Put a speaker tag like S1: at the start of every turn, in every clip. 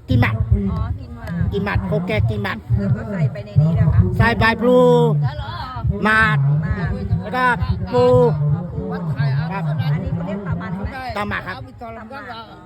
S1: กิมัด
S2: อ๋อกินหมาก
S1: โคแกกิมัด
S2: แล้วก็ใส่ไปในนี้นะคะ
S1: ใส่ใบพลูมาดแล้วก็ปูครับ
S2: อันนี้เขาเรียกตามันไหม
S1: ตำหมักครับ
S2: ตามัน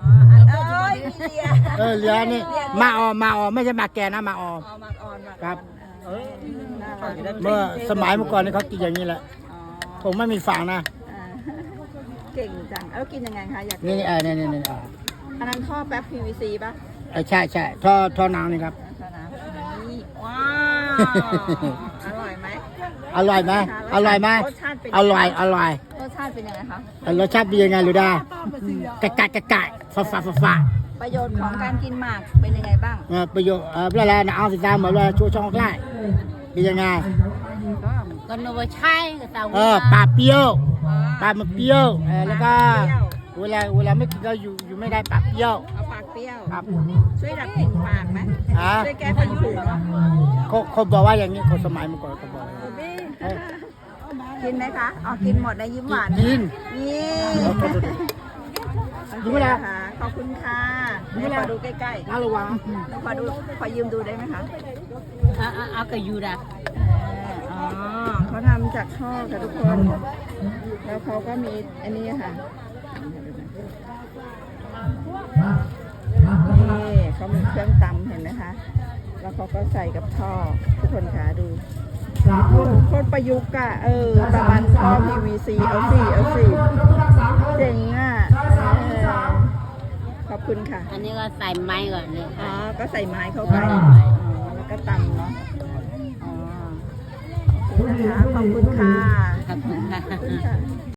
S2: มีเลีย
S1: เรือนี่มาออไม่ใช่มาแกนะมาออ
S2: อ๋อหมากอ่อนหมากอ่อน
S1: ครับ
S2: น่ารัก
S1: เมื่อสมัยเมื่อก่อนนี่เขากินอย่างนี้แหละ
S2: อ๋อ
S1: ผมไม่มีฝางนะ
S2: อ่าเก่งจังแล้วกินยังไงคะอยาก
S1: นี่นี่
S2: อันนั้นท่อแป๊บ PVC ป่ะ
S1: ใช่ท่อน้ำนี่ครับ
S2: ท่อน้ำนี่ว้าว อร่อยไหม
S1: อร่อยไหม
S2: รสชาติเป็น
S1: อร่อย
S2: รสชาติเป็นยังไงคะ
S1: รสชาติดียังไงรู้ได้กะฝา
S2: ประโยชน์ของการกินหมากเป็นยังไงบ้าง
S1: ประโยชน์เวลาเอาสิตามเหมือนเวลาช่วยช่องได้เป็นยังไง
S3: ก็นึกว่าใช่ก็แต่ว่า
S1: ปลาเปรี้ยวปลา
S2: ว้าว
S1: มันเปรี้ยวแล้วก็เวลาไม่กินก็อยู่ไม่ได้ปลาเปรี้ยว
S2: เอาปากเปรี้ยว
S1: ครับ
S2: ช่วยดับกลิ่นปากไหม
S1: อ่า
S2: ช่วยแก้ฟันผุเนาะ
S1: เขาบอกว่าอย่างนี้คนสมัยเมื่อก่อนเขาบอก
S2: กินไหมคะอ๋อกินหมดนะยิ้มหวาน
S1: กิน
S2: นี่
S1: ดูเวลา
S2: ค่ะขอบคุณค่ะ
S1: ดูเวลา
S2: ขอดูใกล้
S1: น่าระวัง
S2: ขอยืมดูได้ไหมคะ
S3: เอากระยูดะ
S2: อ๋อเขาทำจากช่อค่ะทุกคน แล้วเขาก็มีอันนี้ค่ะ นี่เขามีเครื่องตำเห็นไหมคะ แล้วเขาก็ใส่กับท่อทุกคนค่ะดูโคตรประยุกต์อะประมาณท่อ PVC เอาสิเจ๋งอะขอบคุณค่ะ
S3: อันนี้ก็ใส่ไม้ก่อนเลย
S2: อ๋อ ก็ใส่ไม้เข้าไปอ๋อแล้วก็ตำเนาะ อ๋อโอเคนะคะขอบคุณค่ะ
S3: ขอบคุณค่ะ
S2: ขอบคุณค่ะ